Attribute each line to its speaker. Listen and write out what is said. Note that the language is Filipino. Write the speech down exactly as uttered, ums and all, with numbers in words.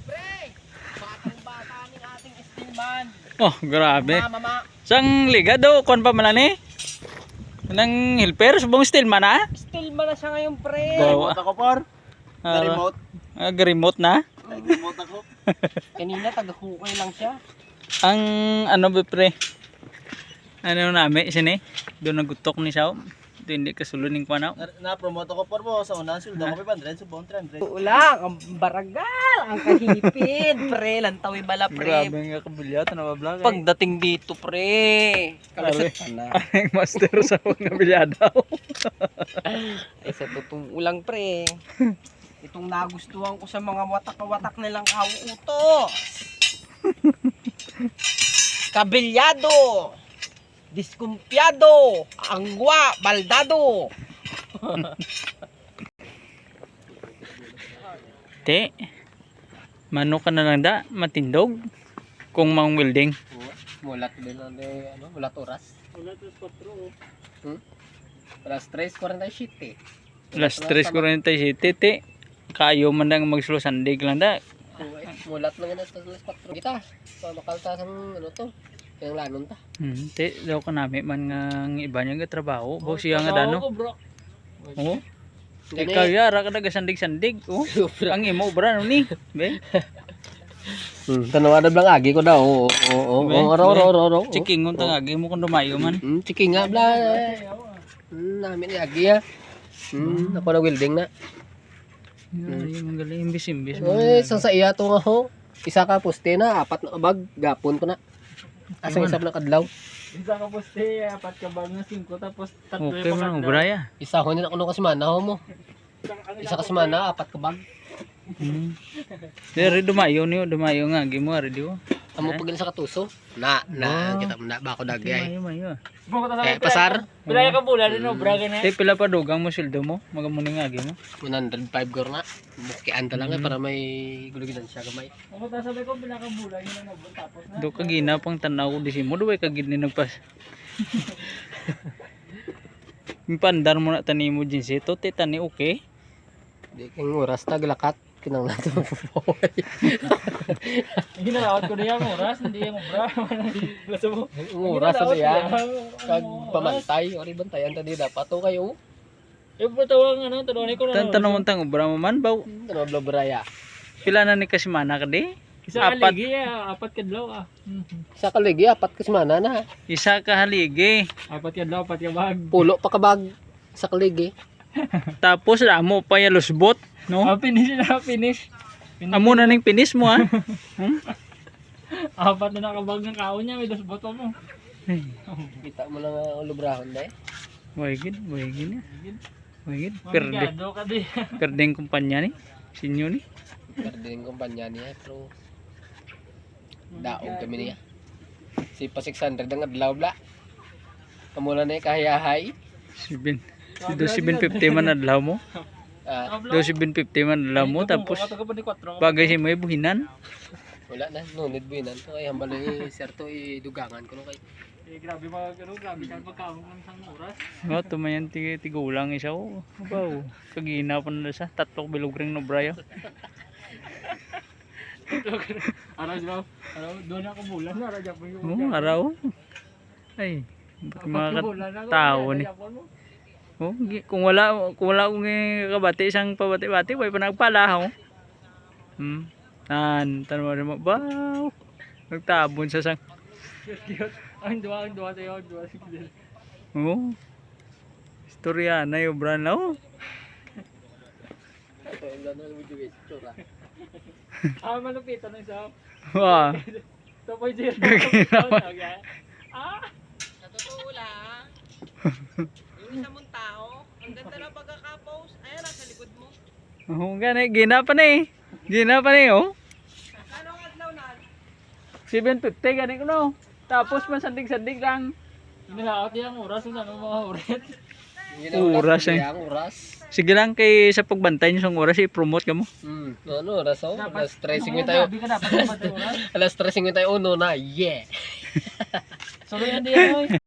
Speaker 1: Pre, batang bata ng ating steelman.
Speaker 2: Oh, grabe.
Speaker 1: Mama,
Speaker 2: Sang ligado, kon pa man ni? Nang helper, subong steelman na?
Speaker 1: steelman na siya ngayon, pre.
Speaker 2: Bawa.
Speaker 3: Remote ako, par.
Speaker 2: Ah,
Speaker 3: Na-remote.
Speaker 2: Ah, remote na?
Speaker 3: Remote ako.
Speaker 1: Kanina, taga-hukay lang siya.
Speaker 2: Ang ano ba pre? Ano namin, sini? Doon nagutok ni Sao. Ito hindi kasuluning ko na.
Speaker 3: Na- Na-promote ako, par mo. Sa unahan, sulda ko pa one hundred, subong three hundred.
Speaker 1: Ulang, ang baragal, ang kahipid, pre. Lantawi bala, pre.
Speaker 2: Grabe nga kabilyat na bablog.
Speaker 1: Pagdating dito, pre.
Speaker 2: Grabe.
Speaker 1: Kalasat na.
Speaker 2: Ang master sa mga bilyadaw.
Speaker 1: Ay, sa totoong ulang, pre. Itong nagustuhan ko sa mga watak-watak nilang kauutos. Kabilyado. Diskumpyado. Angwa. Baldado.
Speaker 2: Te, mano ka na lang da, matindog. Kung mang welding.
Speaker 1: Mulat din na de, ano, mulat oras.
Speaker 3: Mulat is patro.
Speaker 1: Hmm? Alas tres forty-seven.
Speaker 2: Alas tres forty-seven, te. Kayo man lang magsulusandig lang da.
Speaker 1: Mulat lang yan sa alas four. Kita, makalta sa ano to. Kaya lanon ta.
Speaker 2: Hmm, te, daw ka namin man nga ang iba niya nga trabaho. Bawa siya nga dano. Oh. Ikaw yara ka nagasandig-sandig. Oh. Ang imo bra no ni. Be.
Speaker 1: Hmm, tanawa na blang agi ko daw. Oo, oo, oo. Oro, oro, oro, oro.
Speaker 2: Chiking ng tangagi mo kung dumayo man.
Speaker 1: Hmm, chiki nga bla. Hmm, namin ni agi ha. Hmm, ako na welding na.
Speaker 2: Ay, magaling imbis-imbis.
Speaker 1: Oy, sa sa iya to nga ho. Isa ka poste na, apat na kabag, gapon ko na. Asang isab na kadlaw.
Speaker 3: Isa ka poste, apat ka bag na cinco, tapos tatlo
Speaker 2: Okay man ang braya.
Speaker 1: Isa ko nila kuno ka semana ho mo. Isa ka semana, apat ka bag.
Speaker 2: Hmm. Dari dumayo niyo, dumayo nga gimo ari diyo.
Speaker 1: Amo pagil sa katuso. Na, na kita mo na ba ako dagay.
Speaker 2: Dumayo mayo.
Speaker 1: Eh, pasar,
Speaker 3: Bilaya ka bula din, no? Braga na.
Speaker 2: Te pila pa dugang mo sildo mo, magamuni nga gimo.
Speaker 1: one hundred five gor na. Bukian ta lang eh, para may gulugidan siya gamay.
Speaker 3: Ako ta sabi ko, bilaya ka bula, yun na nabun, tapos na.
Speaker 2: Do ka gina pang tanaw di simo, do ka gid ni nagpas. Impandar mo na tani mo jinsi to, te tani okay.
Speaker 1: Di kang oras ta glakat kinang nato mapupoy.
Speaker 3: Ginalawat ko niya ang oras, hindi yung bra. Gusto mo?
Speaker 1: Ang oras sa diya. Kag pamantay, ori bantayan ta di dapat to kayo.
Speaker 3: Eh, patawang ano, tanongin ko na.
Speaker 2: Tan tanong tang ubra mo man baw.
Speaker 1: Ano blo braya.
Speaker 2: Pila na ni kasimana ka di?
Speaker 3: Isa
Speaker 2: Apat.
Speaker 3: kaligi, ah, apat kadlaw ah.
Speaker 1: Sa kaligi apat ka semana na.
Speaker 2: Isa ka haligi.
Speaker 3: Apat kadlaw, apat ka bag.
Speaker 1: Pulo pa kabag sa kaligi.
Speaker 2: Tapos amo pa ya lusbot, no?
Speaker 3: Ah, finish na, finish. Finish.
Speaker 2: Amo na ning pinis mo ha. Hmm?
Speaker 3: Apat na nakabag ng kaon niya, may dos boto mo.
Speaker 1: Kita mo lang ang ulubrahon dai.
Speaker 2: Way gid, way gid. Way gid. Perde.
Speaker 3: Mamigado ka di.
Speaker 2: Perdeng kumpanya ni. Sinyo ni.
Speaker 1: Perding kumpanya niya pero daog kami niya. Si pa six hundred ang adlaw bla. Kamula na kahayahay.
Speaker 2: Sibin. Do seven fifty man adlaw mo.
Speaker 1: Ah,
Speaker 2: Do seven fifty man adlaw mo tapos bagay si mo buhinan.
Speaker 1: wala na, no need buinan to ay hambal ni sir to idugangan ko no kay.
Speaker 3: Eh, grabe mga ano, grabe ka pagkaon ng isang oras.
Speaker 2: Oh, tumayan ti tigulang isa oh. Baw. Kagina pa na sa tatlong bilog ring no braya.
Speaker 3: Araw daw. Araw doon ako bulan na radya po yung.
Speaker 2: Oh, araw. Ay, mga tao ni. Oh, gi- kung wala kung wala kong kabati isang pabati-bati, way pa nagpala oh. Hmm. Tan, tanwa mo baw. Nagtabon sa sang.
Speaker 3: Cute. Ang duwa, ang duwa tayo, ang duwa sige.
Speaker 2: Oh. Istorya na yung brand na oh.
Speaker 1: Ito yung lano ng video guys, tsura.
Speaker 3: Ah, malupitan ng isa.
Speaker 2: Wah.
Speaker 3: two point zero. Ah!
Speaker 1: Sa totoo lang, yung isa mong tao, ang ganda na pagkaka-post, ayan nasa likod mo.
Speaker 2: Oh, gani gina pa ni. Gina pa ni oh.
Speaker 1: Kano ang adlaw na?
Speaker 2: seven fifty gani ko no. Tapos man sandig-sandig lang.
Speaker 3: Inalaot niya ang oras, kung ano mga oras.
Speaker 2: Oras eh.
Speaker 1: Ang oras.
Speaker 2: Sige lang kay sa pagbantay niyo sa oras i-promote ka mo.
Speaker 1: Hmm, ano oras oh?
Speaker 3: Dapat-
Speaker 1: Alas stressing
Speaker 3: Oo,
Speaker 1: tayo.
Speaker 3: grabe ka dapat dapat yung oras.
Speaker 1: Alas stressing tayo uno na. Yeah.
Speaker 3: So, yan din, oy.